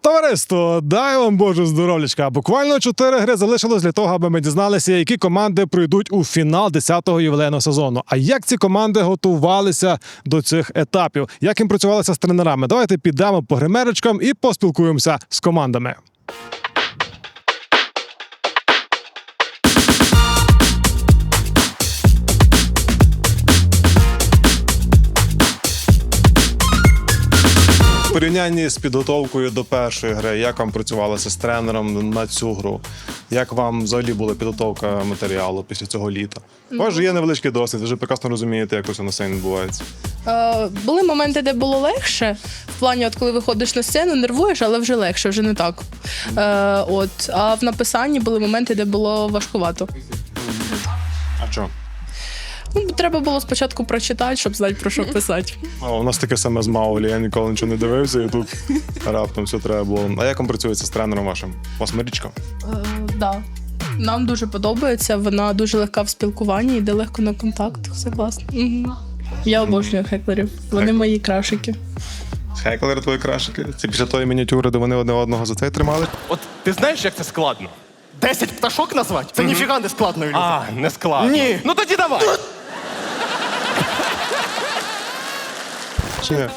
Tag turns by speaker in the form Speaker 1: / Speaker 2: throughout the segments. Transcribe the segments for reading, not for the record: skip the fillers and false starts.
Speaker 1: Товариство, дай вам Боже здоров'ячка. Буквально 4 гри залишилось для того, аби ми дізналися, які команди пройдуть у фінал 10-го ювілейного сезону. А як ці команди готувалися до цих етапів? Як їм працювалися з тренерами? Давайте підемо по гримерочкам і поспілкуємося з командами. В порівнянні з підготовкою до першої гри, як вам працювалося з тренером на цю гру? Як вам взагалі була підготовка матеріалу після цього літа? У вас же є невеличкий досвід, ви вже прекрасно розумієте, як усе на сцені відбувається.
Speaker 2: Були моменти, де було легше. В плані, от коли виходиш на сцену, нервуєш, але вже легше, вже не так. А в написанні були моменти, де було важкувато.
Speaker 1: А що?
Speaker 2: Треба було спочатку прочитати, щоб знати, про що писати.
Speaker 1: У нас таке саме з Маулі, я ніколи нічого не дивився, і тут раптом все треба було. А як вам працюється з тренером вашим? У вас Марічка?
Speaker 2: Да. Нам дуже подобається, вона дуже легка в спілкуванні, йде легко на контакт, все класно. Я обожнюю хеклерів, вони мої крашики.
Speaker 1: Хеклери твої крашики? Це після тої мініатюри, де вони одне одного за цей тримали?
Speaker 3: От ти знаєш, як це складно?
Speaker 4: 10 пташок назвати? Це ніфіга не складно, Ілюха.
Speaker 3: А, не складно.
Speaker 4: Ні.
Speaker 3: Ну тоді давай.
Speaker 1: Чи ні?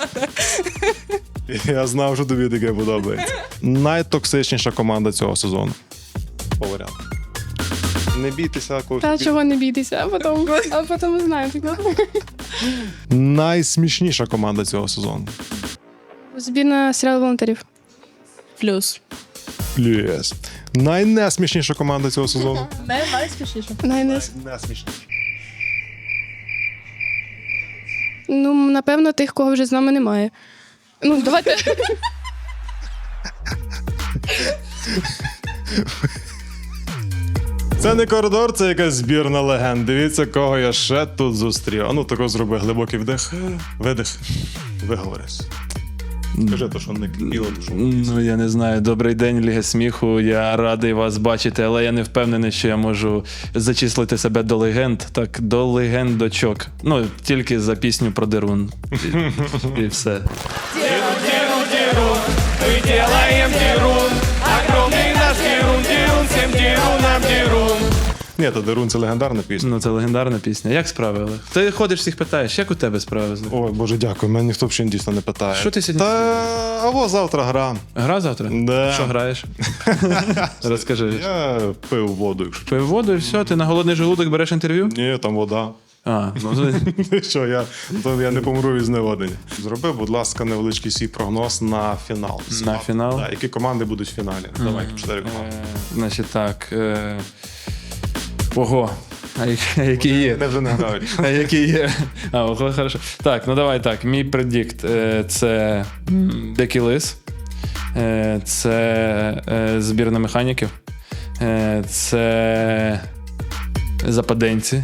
Speaker 1: Я знав, що тобі таке подобається. Найтоксичніша команда цього сезону. По варіанту. Не бійтеся когось.
Speaker 5: Та чого не бійтеся, а потім знаємо.
Speaker 1: Найсмішніша команда цього сезону.
Speaker 5: Збірна серіал волонтерів.
Speaker 2: Плюс.
Speaker 1: Плюс. Найнесмішніша команда цього сезону.
Speaker 2: Найспішніше.
Speaker 1: Найнесмішніша.
Speaker 5: Ну, напевно, тих, кого вже з нами немає. Ну, давайте.
Speaker 1: Це не коридор, це якась збірна легенд. Дивіться, кого я ще тут зустрів. А ну, тако зроби глибокий вдих, видих, виговорись. Скажи то, що не кипіло, то що...
Speaker 6: Ну, я не знаю. Добрий день, Ліга сміху. Я радий вас бачити, але я не впевнений, що я можу зачислити себе до легенд. Так, до легендочок. Ну, тільки за пісню про Дерун. І все.
Speaker 1: Ні, то Дерун – це легендарна пісня.
Speaker 6: Ну, це легендарна пісня. Як справи, Олег? Ти ходиш, всіх питаєш, як у тебе справи?
Speaker 1: Ой, Боже, дякую, мене ніхто взагалі дійсно не питає.
Speaker 6: Що ти сьогодні?
Speaker 1: Або завтра гра.
Speaker 6: Гра завтра?
Speaker 1: Да.
Speaker 6: Що граєш? Розкажи.
Speaker 1: Я пив воду, якщо.
Speaker 6: Пив воду і все, ти на голодний желудок береш інтерв'ю?
Speaker 1: Ні, там вода.
Speaker 6: А, ну,
Speaker 1: Що, я не помру від зневодення. Зроби, будь ласка, невеличкий свій прогноз на фінал.
Speaker 6: На фінал?
Speaker 1: Так, які команди будуть в фіналі? Давай, 4 команди.
Speaker 6: Значить так. Ого. А які є?
Speaker 1: Не вже не грають.
Speaker 6: А які є? А, ого, хорошо. Так, ну давай так. Мій предикт це Дикий Лис. Це збірна механіків. Це западенці.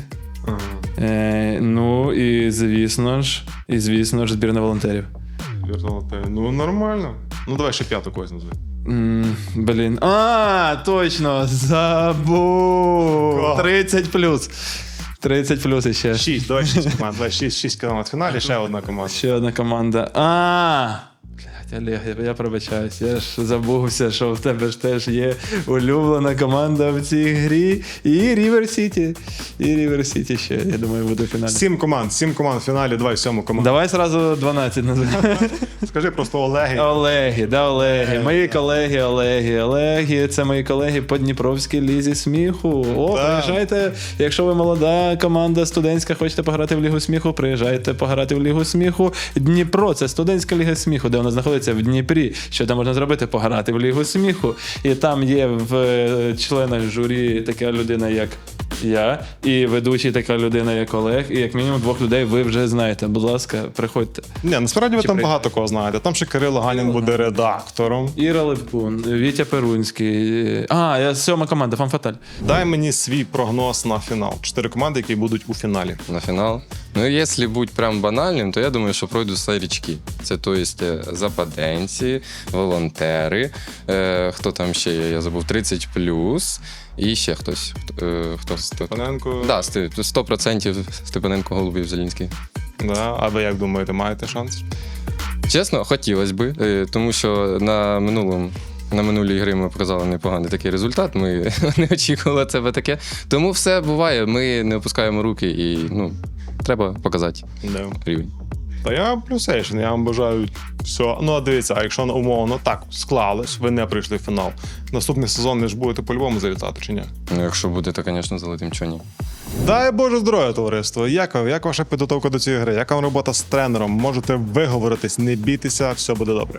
Speaker 6: Ну і звісно ж, збірна волонтерів.
Speaker 1: Ну, нормально. Ну, давай ще 5 когось назви.
Speaker 6: Блін. А, точно! Забув! 30 плюс. 30 плюс іще.
Speaker 1: 6, давай 6 команд. Давай 6 команд в фіналі, ще одна команда.
Speaker 6: Ще одна команда. Блядь, Олег, я пробачаюсь. Я ж забувся, що в тебе ж теж є улюблена команда в цій грі. І Рівер Сіті. І Рівер Сіті ще, я думаю, буде в фіналі.
Speaker 1: 7 команд в фіналі, давай 7 команду.
Speaker 6: Давай сразу 12 називаємо.
Speaker 1: Скажи просто Олеги.
Speaker 6: Олеги. Мої колеги Олеги, це мої колеги по Дніпровській лізі сміху. Приїжджайте, якщо ви молода команда студентська, хочете пограти в Лігу сміху, приїжджайте пограти в Лігу сміху. Дніпро, це студентська ліга сміху, де вона знаходиться в Дніпрі. Що там можна зробити? Пограти в Лігу сміху. І там є в членах журі така людина, як я, і ведучий така людина, як Олег, і як мінімум 2 людей ви вже знаєте. Будь ласка, приходьте.
Speaker 1: Ні, насправді ви там багато кого знаєте. Там ще Кирило Ганін буде редактором.
Speaker 6: Іра Левкун, Вітя Перунський. Я 7-ма команда, Фан-Фаталь.
Speaker 1: Дай мені свій прогноз на фінал. 4 команди, які будуть у фіналі.
Speaker 7: На финал. Ну, если быть прям банальним, то я думаю, що пройдуть старички. Це, то есть, западенці, волонтери, хто там ще є, я забув, 30+, і ще хтось. Хто?
Speaker 1: Степаненко.
Speaker 7: Да, 100% Степаненко, Голубів, Зелінський.
Speaker 1: Да. А ви як думаєте, маєте шанс?
Speaker 7: Чесно, хотілося би, тому що на минулій грі ми показали непоганий такий результат. Ми не очікували тебе таке. Тому все буває, ми не опускаємо руки і треба показати рівень.
Speaker 1: Та я плюсейшн, я вам бажаю все. Ну, а дивіться, а якщо умовно так склалось, ви не прийшли в фінал. Наступний сезон ви ж будете по-любому залітати, чи ні?
Speaker 7: Ну, якщо буде, то, звісно, залетим, чого ні.
Speaker 1: Дай Боже здоров'я, товариство. Як ваша підготовка до цієї гри? Яка вам робота з тренером? Можете виговоритись, не бійтеся, все буде добре.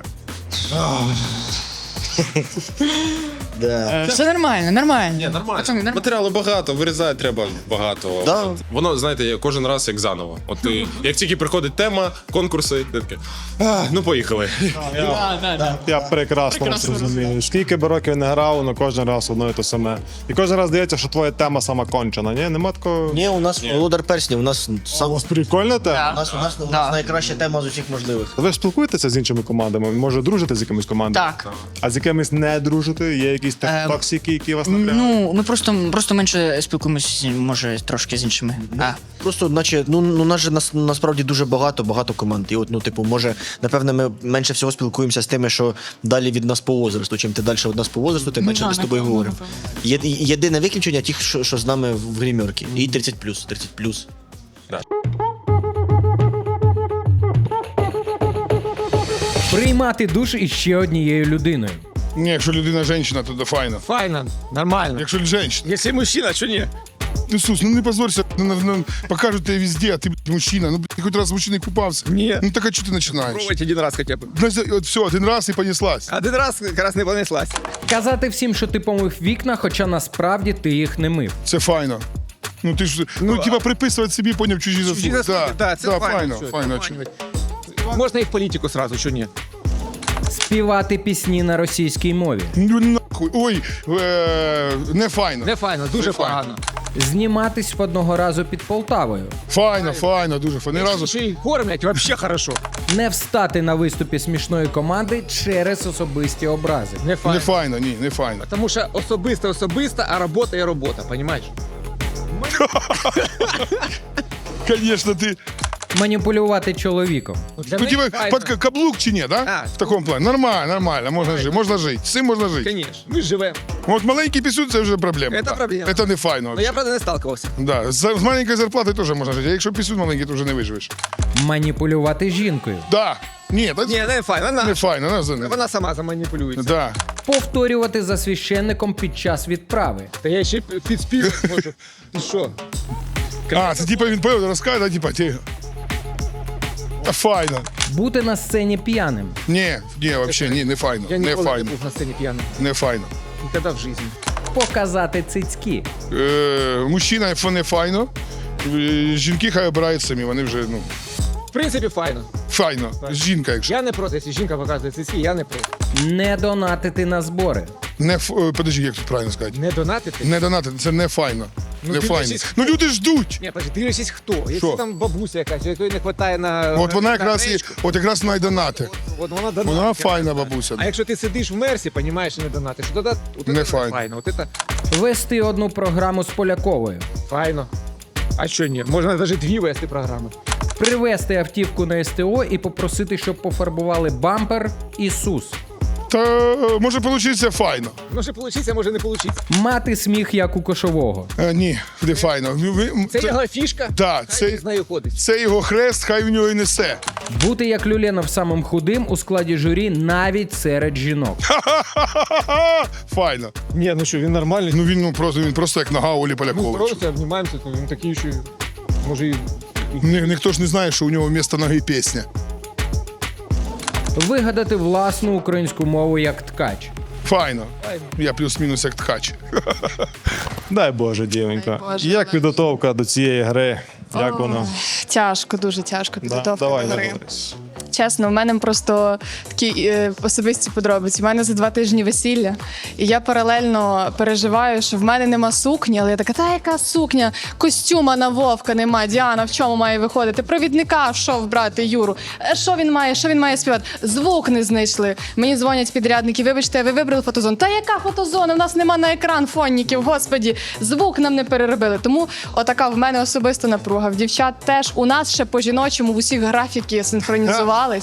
Speaker 8: Все нормально, нормально.
Speaker 9: Ні, нормально.
Speaker 8: Пацани, нормально.
Speaker 9: Матеріалу багато, вирізати треба багато.
Speaker 4: Да.
Speaker 9: Воно, знаєте, кожен раз як заново. От як тільки приходить тема, конкурси, ти таке, ну поїхали.
Speaker 1: Я прекрасно розумію. Скільки би років не грав, але кожен раз одно і те саме. І кожен раз здається, що твоя тема сама кончена. Ні, нема такого.
Speaker 10: Ні, у нас володар перснів, у нас
Speaker 1: У вас прикольна тема?
Speaker 10: у нас найкраща тема з усіх можливих.
Speaker 1: Ви ж спілкуєтеся з іншими командами? Може, дружите з якимись командами?
Speaker 8: Так.
Speaker 1: А з якимись не дружите? Є якісь токсики, які вас напрягають?
Speaker 8: Ну, ми просто менше спілкуємося, може, трошки з іншими.
Speaker 10: Просто, наче, нас же насправді дуже багато команд. І от, типу, може, напевно, ми менше всього спілкуємося з тими, що далі від нас по возрасту. Чим ти далі від нас по возрасту, тим менше ми з тобою говоримо. Єдине виключення ті, що з нами в гримерці. І 30+.
Speaker 11: Приймати душ із ще однією людиною.
Speaker 12: Ні, якщо людина жінка, то файно.
Speaker 3: Файно, нормально.
Speaker 12: Якщо жінка.
Speaker 3: Якщо мужчина, що ні?
Speaker 12: Ісус, ну не позорься, покажуть тебе везде, а ти мужчина. Ну, ти хоч раз з мужчиною купався.
Speaker 3: Ні.
Speaker 12: Ну так а чого ти починаєш?
Speaker 3: Пробуйте один раз хоча б.
Speaker 12: От все, один раз і понеслась.
Speaker 3: Один раз якраз не понеслась.
Speaker 11: Казати всім, що ти помив вікна, хоча насправді ти їх не мив.
Speaker 12: Це файно. Ну ти ж, типа приписувати собі, поняв, чужі заслуги.
Speaker 3: Так, це файно.
Speaker 12: Файно.
Speaker 3: Можна і в політику сразу, що ні?
Speaker 11: Співати пісні на російській мові.
Speaker 12: Ну нахуй, ой, не файно.
Speaker 3: Не файно, дуже погано.
Speaker 11: Зніматись в одного разу під Полтавою.
Speaker 12: Файно, дуже файно. Ні разу.
Speaker 3: Ще й кормлять, вообще хорошо.
Speaker 11: Не встати на виступі смішної команди через особисті образи.
Speaker 3: Не файно.
Speaker 12: Не файно, ні, не файно.
Speaker 3: Тому що особисто, а робота є робота, понімаєш?
Speaker 12: Конечно, ти.
Speaker 11: Маніпулювати чоловіком.
Speaker 3: Для
Speaker 12: Ну,
Speaker 3: них
Speaker 12: типа,
Speaker 3: файно.
Speaker 12: під каблук чи ні, да?
Speaker 3: А.
Speaker 12: В такому плані. Нормально, можна жити. З цим можна жити.
Speaker 3: Конечно, ми ж живемо.
Speaker 12: От маленький пісюн це вже проблема.
Speaker 3: Це проблема.
Speaker 12: Це не файно.
Speaker 3: Ну я, правда, не сталкивався.
Speaker 12: Да. З маленькою зарплатою теж можна жити. А якщо пісюн маленький, то вже не виживеш.
Speaker 11: Маніпулювати жінкою.
Speaker 12: Да. Ні,
Speaker 3: Ні, не файно,
Speaker 12: не файно.
Speaker 3: вона сама заманіпулюється.
Speaker 12: Да.
Speaker 11: Повторювати за священником під час відправи.
Speaker 3: Та я ще підспівати можу. Ти що?
Speaker 12: А, це типа він поїв, розкаже, да, типа, ти... Файно.
Speaker 11: Бути на сцені п'яним.
Speaker 12: Ні, взагалі, не файно.
Speaker 3: Я
Speaker 12: Не
Speaker 3: ніколи не
Speaker 12: файно.
Speaker 3: був на сцені п'яним.
Speaker 12: Не файно.
Speaker 3: Ніколи в житті.
Speaker 11: Показати цицьки.
Speaker 12: Мужчина не файно. Жінки хай обирають самі, вони вже,
Speaker 3: В принципі, файно.
Speaker 12: файно. Жінка, якщо.
Speaker 3: Я не проти, якщо жінка показує цицьки, я не проти.
Speaker 11: Не донатити на збори.
Speaker 12: Подожди, як тут правильно сказати?
Speaker 3: Не донатити?
Speaker 12: Не донатити, це не файно. Не файно.
Speaker 3: дивлячись,
Speaker 12: Ну люди ждуть.
Speaker 3: Ні, подожди, дивлячись хто. Якщо там бабуся якась, якої не вистачає на...
Speaker 12: От вона
Speaker 3: на
Speaker 12: якраз і,
Speaker 3: гречку,
Speaker 12: от якраз вона й донати.
Speaker 3: От вона донатить.
Speaker 12: Вона файна бабуся.
Speaker 3: А якщо ти сидиш в мерсі, понімаєш, і не донатиш, то тоді
Speaker 12: Не файно.
Speaker 3: От це
Speaker 11: Вести одну програму з Поляковою.
Speaker 3: файно. А що ні? Можна навіть дві вести програми.
Speaker 11: Привезти автівку на СТО і попросити, щоб пофарбували бампер і сус.
Speaker 12: Та може получиться файно.
Speaker 3: Може получиться, може не получиться.
Speaker 11: Мати сміх, як у кошового.
Speaker 12: Ні, не файно.
Speaker 3: Це його фішка,
Speaker 12: Так,
Speaker 3: хай з нею ходить.
Speaker 12: це його хрест, хай в нього і несе.
Speaker 11: Бути як Люленов самим худим у складі журі навіть серед жінок.
Speaker 12: Файно.
Speaker 1: Ні, ну що, він нормальний.
Speaker 12: Ну він просто як нога Олі
Speaker 3: Ми
Speaker 12: Поляковича.
Speaker 3: просто обнімаємося, то він такий, що може і...
Speaker 12: Ніхто ж не знає, що у нього вмісто ноги пісня.
Speaker 11: Вигадати власну українську мову як ткач.
Speaker 12: Файно. Я плюс-мінус як ткач.
Speaker 1: Дай Боже, дівенька. Як підготовка до цієї гри? Як воно?
Speaker 5: Тяжко, дуже тяжко підготовка
Speaker 1: Давай,
Speaker 5: до гри.
Speaker 1: Ларис.
Speaker 5: Чесно, в мене просто такі особисті подробиці. У мене за 2 тижні весілля, і я паралельно переживаю, що в мене нема сукні, але я така, та яка сукня? Костюма на Вовка нема. Діана в чому має виходити? Провідника що брати Юру? Що він має співати? Звук не знайшли. Мені дзвонять підрядники, вибачте, ви вибрали фотозону. Та яка фотозона? У нас нема на екран фонників, господі. Звук нам не переробили. Тому отака в мене особиста напруга. В дівчат теж у нас ще по-жіночому в усіх графіки синхронізували.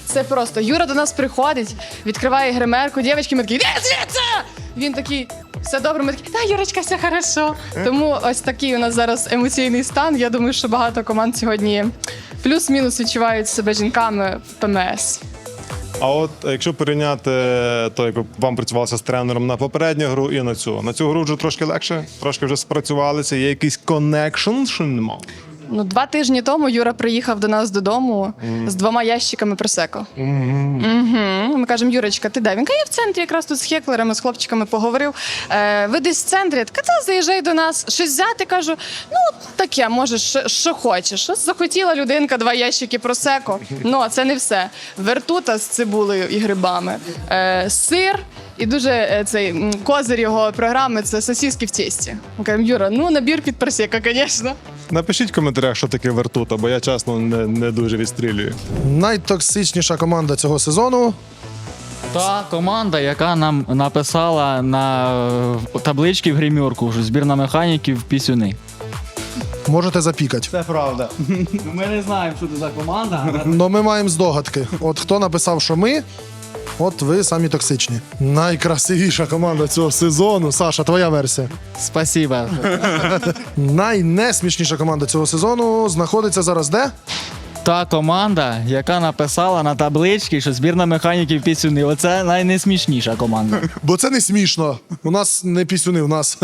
Speaker 5: Це просто Юра до нас приходить, відкриває гримерку, дівчатки, ми такі, іди звідси! Він такий, все добре, ми такі, та, Юрочка, все хорошо. Тому ось такий у нас зараз емоційний стан. Я думаю, що багато команд сьогодні плюс-мінус відчувають себе жінками в ПМС.
Speaker 1: А от якщо порівняти то, як вам працювалося з тренером на попередню гру і на цю гру вже трошки легше, трошки вже спрацювалися, є якийсь коннекшн, що нема?
Speaker 5: Ну, 2 тижні тому Юра приїхав до нас додому з 2 ящиками просеко. Ми кажемо, Юрочка, ти де? Він каже, я в центрі якраз тут з хеклерами, з хлопчиками поговорив. Ви десь в центрі? Я така, та, заїжджай до нас. Щось взяти? Кажу, ну, таке, можеш, що хочеш. Щось захотіла людинка, 2 ящики просеко. Ну, а це не все. Вертута з цибулею і грибами. Сир. І дуже цей козир його програми – це сосиски в тісті. Ми кажемо, Юра, ну, набір під просеко, звісно.
Speaker 1: Напишіть в коментарях, що таке вертута, бо я, чесно, не дуже відстрілюю.
Speaker 13: Найтоксичніша команда цього сезону.
Speaker 14: Та команда, яка нам написала на табличці в гримерку, що збірна механіків пісюни.
Speaker 13: Можете запікати.
Speaker 14: Це правда. Ми не знаємо, що це за команда.
Speaker 13: Но ми маємо здогадки. От хто написав, що ми, от ви самі токсичні. Найкрасивіша команда цього сезону. Саша, твоя версія.
Speaker 14: Спасибо.
Speaker 13: Найнесмішніша команда цього сезону знаходиться зараз де?
Speaker 14: Та команда, яка написала на табличці, що збірна механіків пісюни. Оце найнесмішніша команда.
Speaker 13: Бо це не смішно. У нас не пісюни, у нас.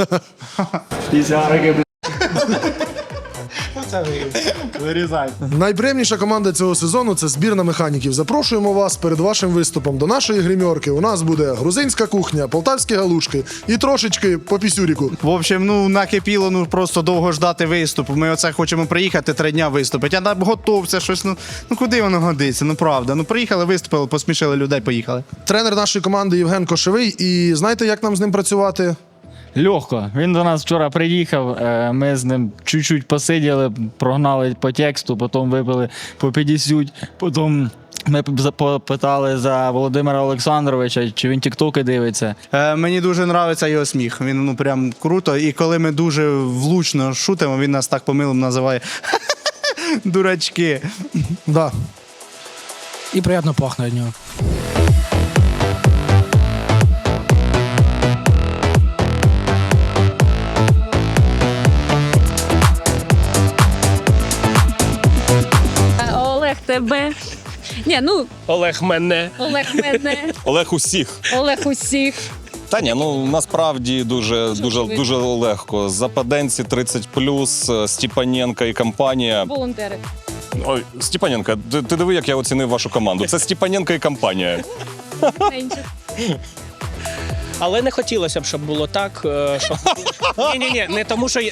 Speaker 13: Найприємніша команда цього сезону – це збірна механіків. Запрошуємо вас перед вашим виступом до нашої гримерки. У нас буде грузинська кухня, полтавські галушки і трошечки по пісюріку.
Speaker 15: В общем, ну накипіло, ну просто довго ждати виступу. Ми оце хочемо приїхати 3 дня виступити. А там готовся щось. Ну куди воно годиться? Ну правда. Ну приїхали, виступили, посмішили людей, поїхали.
Speaker 13: Тренер нашої команди Євген Кошевий. І знаєте, як нам з ним працювати?
Speaker 14: Легко. Він до нас вчора приїхав, ми з ним чуть-чуть посиділи, прогнали по тексту, потім випили по 50, потім ми попитали за Володимира Олександровича, чи він тіктоки дивиться.
Speaker 15: Мені дуже подобається його сміх. Він ну прям круто. І коли ми дуже влучно шутимо, він нас так помилом називає дурачки.
Speaker 13: Да.
Speaker 16: І приємно пахне від нього.
Speaker 17: Олег тебе. Ні, ну,
Speaker 3: Олег мене.
Speaker 17: Олег мене.
Speaker 9: Олег усіх.
Speaker 17: Олег усіх.
Speaker 9: Та ні, ну насправді дуже легко. Западенці 30+, Степаненко і компанія.
Speaker 17: Волонтери.
Speaker 9: Ой, Степаненко, ти диви, як я оцінив вашу команду. Це Степаненко і компанія.
Speaker 3: Але не хотілося б, щоб було так, щоб... Ні, не тому, що...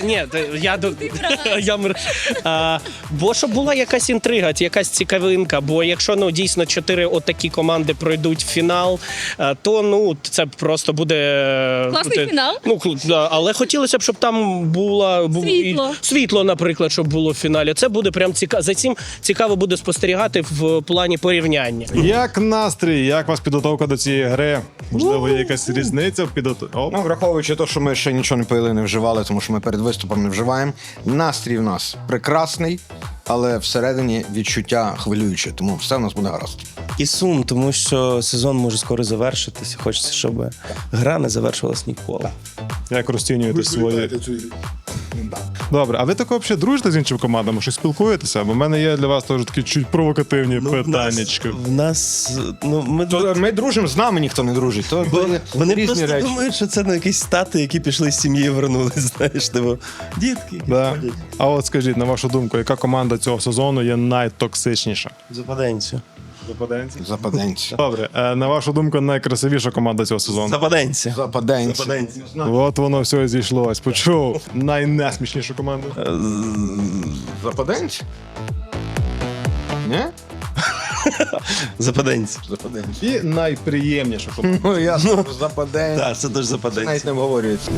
Speaker 3: Бо щоб була якась інтрига, якась цікавинка, бо якщо, ну, дійсно 4 отакі команди пройдуть в фінал, то, ну, це просто буде...
Speaker 17: Класний фінал.
Speaker 3: Ну, але хотілося б, щоб там було... Світло, наприклад, щоб було в фіналі. Це буде прям цікаво. За цим цікаво буде спостерігати в плані порівняння.
Speaker 1: Як настрій, як у вас підготовка до цієї гри? Можливо, є якась різниця в підготовці?
Speaker 18: Ну, враховуючи те, що ми ще нічого не пили, не вживали, тому що ми перед виступом не вживаємо. Настрій в нас прекрасний, але всередині відчуття хвилююче, тому все в нас буде гаразд.
Speaker 19: І сум, тому що сезон може скоро завершитися. Хочеться, щоб гра не завершилась ніколи.
Speaker 1: Як розцінюєте свої? Добре, а ви тако взагалі дружите з іншими командами? Щось спілкуєтеся? Бо в мене є для вас теж такі чуть провокативні питаннячки.
Speaker 19: В нас,
Speaker 18: ми дружимо, з нами ніхто не дружить. То
Speaker 19: вони
Speaker 18: різні
Speaker 19: просто
Speaker 18: речі.
Speaker 19: думають, що це якісь стати, які пішли з сім'ї і вернулись, знаєш, типу, дітки.
Speaker 1: Да. А от скажіть, на вашу думку, яка команда цього сезону є найтоксичніша?
Speaker 19: Западенці.
Speaker 1: Западенці?
Speaker 18: Западенці.
Speaker 1: Добре, на вашу думку, найкрасивіша команда цього сезону?
Speaker 19: Западенці.
Speaker 18: Западенці.
Speaker 1: От воно все зійшлось. Почув. Найнесмішнішу команду?
Speaker 18: Западенці? Ні?
Speaker 19: Западенці.
Speaker 1: І найприємніша команда?
Speaker 18: Ну, ясно, западенці.
Speaker 19: Так, це теж западенці.
Speaker 18: Навіть не обговорюється.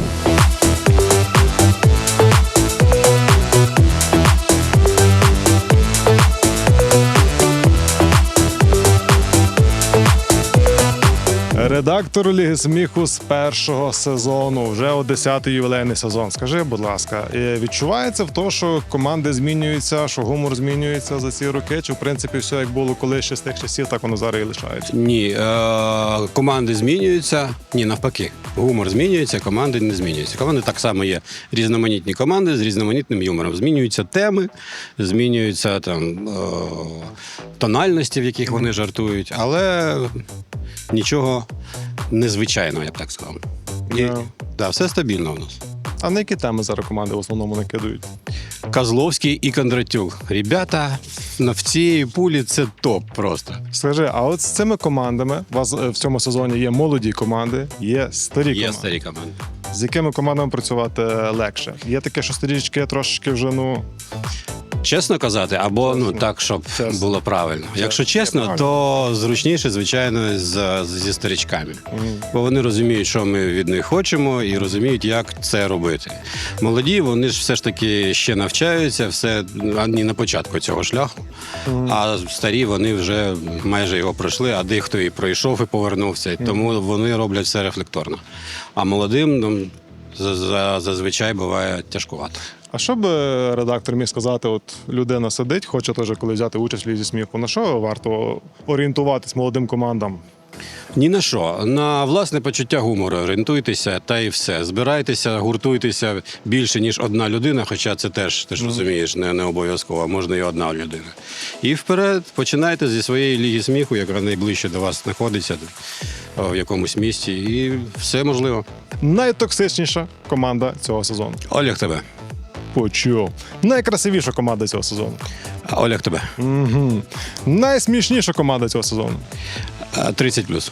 Speaker 1: Редактор Ліги сміху з першого сезону, вже 10-й ювілейний сезон. Скажи, будь ласка, відчувається в тому, що команди змінюються, що гумор змінюється за ці роки? Чи в принципі все як було колись ще з тих часів, так воно зараз і лишається?
Speaker 20: Ні, команди змінюються. Ні, навпаки. Гумор змінюється, команди не змінюються. Команди так само є різноманітні команди з різноманітним юмором. Змінюються теми, змінюються там тональності, в яких вони жартують, але нічого незвичайного, я б так сказав. Да, все стабільно у нас.
Speaker 1: А на які теми зараз команди в основному накидають?
Speaker 20: Козловський і Кондратюк. Ребята, в цій пулі це топ просто.
Speaker 1: Скажи, а от з цими командами, у вас в цьому сезоні є молоді команди, є старі команди.
Speaker 20: Є старі команди.
Speaker 1: З якими командами працювати легше? Є таке, що старічки трошки вже,
Speaker 20: Чесно казати, або так, щоб було правильно. Якщо чесно, то зручніше, звичайно, зі старичками. Бо вони розуміють, що ми від них хочемо, і розуміють, як це робити. Молоді, вони ж все ж таки ще навчаються, все не на початку цього шляху. А старі, вони вже майже його пройшли, а дехто і пройшов, і повернувся. Тому вони роблять все рефлекторно. А молодим зазвичай буває тяжкувато.
Speaker 1: А що б редактор міг сказати, от людина сидить, хоче теж коли взяти участь в Лізі сміху, на що варто орієнтуватись молодим командам?
Speaker 20: Ні на що. На власне почуття гумору орієнтуйтеся, та і все. Збирайтеся, гуртуйтеся більше, ніж одна людина, хоча це теж, ти ж розумієш, не обов'язково, можна і одна людина. І вперед, починайте зі своєї Ліги сміху, яка найближче до вас знаходиться, в якомусь місті, і все можливо.
Speaker 1: Найтоксичніша команда цього сезону?
Speaker 20: Олег тебе.
Speaker 1: Почув. Найкрасивіша команда цього сезону?
Speaker 20: Олег тебе.
Speaker 1: Угу. Найсмішніша команда цього сезону?
Speaker 20: 30+.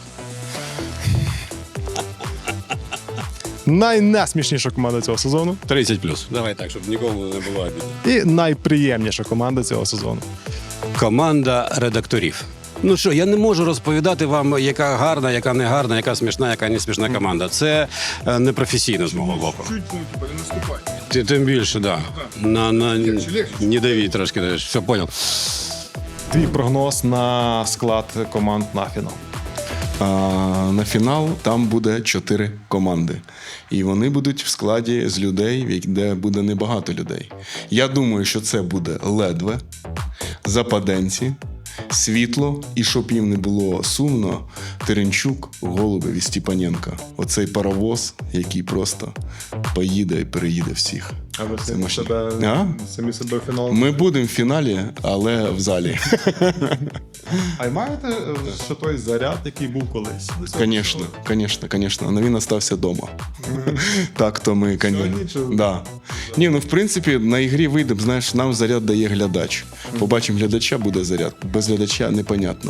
Speaker 1: Найнесмішніша команда цього сезону?
Speaker 20: 30+. Давай так, щоб нікому не було обідно.
Speaker 1: І найприємніша команда цього сезону?
Speaker 20: Команда редакторів. Ну що, я не можу розповідати вам, яка гарна, яка не гарна, яка смішна, яка не смішна команда. Це непрофесійно з мого боку. Тим більше, так. Не дави трошки, все, понял.
Speaker 1: Твій прогноз на склад команд на фінал?
Speaker 21: На фінал там буде 4 команди. І вони будуть в складі з людей, де буде небагато людей. Я думаю, що це буде Ледве, Западенці, Світло і, щоб їм не було сумно, Теренчук, Голубев і Степаненко. Оцей паровоз, який просто поїде і переїде всіх.
Speaker 1: А ви самі себе в фінал?
Speaker 21: Ми будемо в фіналі, але в залі.
Speaker 1: А маєте ще той заряд, який був колись?
Speaker 21: Звісно. Але він остався вдома. Так, то ми, да. Ні, ну в принципі, на ігрі вийдемо, знаєш, нам заряд дає глядач. Побачимо глядача, буде заряд. Без глядача непонятно.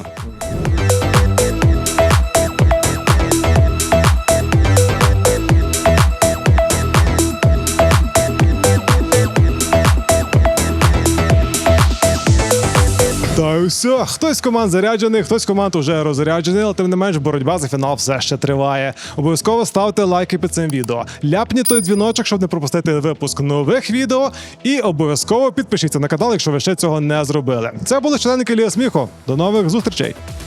Speaker 1: Та й все. Хтось з команд заряджений, хтось з команд уже розряджений, але тим не менш боротьба за фінал все ще триває. Обов'язково ставте лайки під цим відео. Ляпніть той дзвіночок, щоб не пропустити випуск нових відео. І обов'язково підпишіться на канал, якщо ви ще цього не зробили. Це були членники Ліги сміху. До нових зустрічей!